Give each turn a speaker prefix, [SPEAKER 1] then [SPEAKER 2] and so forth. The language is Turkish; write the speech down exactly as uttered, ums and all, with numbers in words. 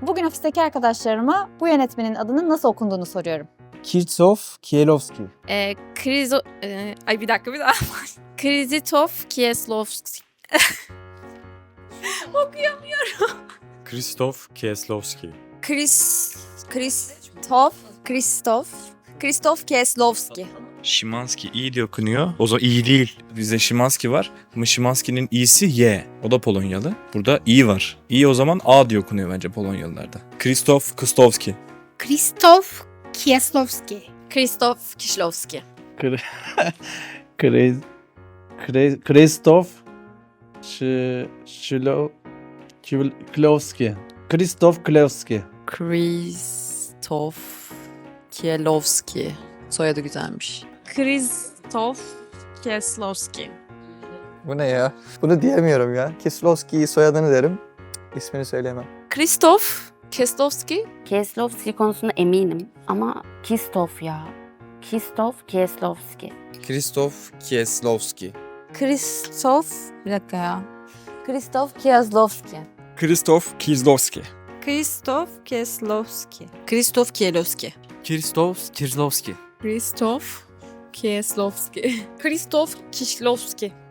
[SPEAKER 1] bugün ofisteki arkadaşlarıma bu yönetmenin adının nasıl okunduğunu soruyorum.
[SPEAKER 2] Krzysztof Kieslowski.
[SPEAKER 3] Ee, Krizo... Ee, ay bir dakika bir daha. Krzysztof Kieslowski. Okuyamıyorum.
[SPEAKER 4] Krzysztof Kieslowski.
[SPEAKER 3] Chris... Kristof... Kristof... Kristof Kieslowski.
[SPEAKER 5] Şimanski iyi diye okunuyor. O zaman iyi değil. Bizde Şimanski var. Ama Şimanski'nin i'si Y. O da Polonyalı. Burada i var. İ o zaman A diye okunuyor bence Polonyalılarda. Krzysztof Kostowski.
[SPEAKER 6] Krzysztof Kieslowski.
[SPEAKER 3] Kristof Kieslowski.
[SPEAKER 2] Kre... Kre... Krzysztof Szy... Szylo... Klowski. Krzysztof Klowski.
[SPEAKER 7] Kristof Kielowski. Soyadı güzelmiş.
[SPEAKER 3] Kristof Kieslowski.
[SPEAKER 8] Bu ne ya? Bunu diyemiyorum ya. Kieslowski soyadını derim. İsmini söyleyemem.
[SPEAKER 3] Kristof Kieslowski.
[SPEAKER 9] Kieslowski konusunda eminim ama Krzysztof ya. Krzysztof Kieslowski.
[SPEAKER 10] Krzysztof Kieslowski.
[SPEAKER 3] Kristof... Bir dakika ya.
[SPEAKER 9] Krzysztof Kieslowski.
[SPEAKER 5] Krzysztof Kieslowski.
[SPEAKER 3] Kristof Kieslowski.
[SPEAKER 7] Krzysztof Kielowski.
[SPEAKER 10] Krzysztof Kieslowski.
[SPEAKER 3] Kristof Kieslowski. Kristof Kieslowski.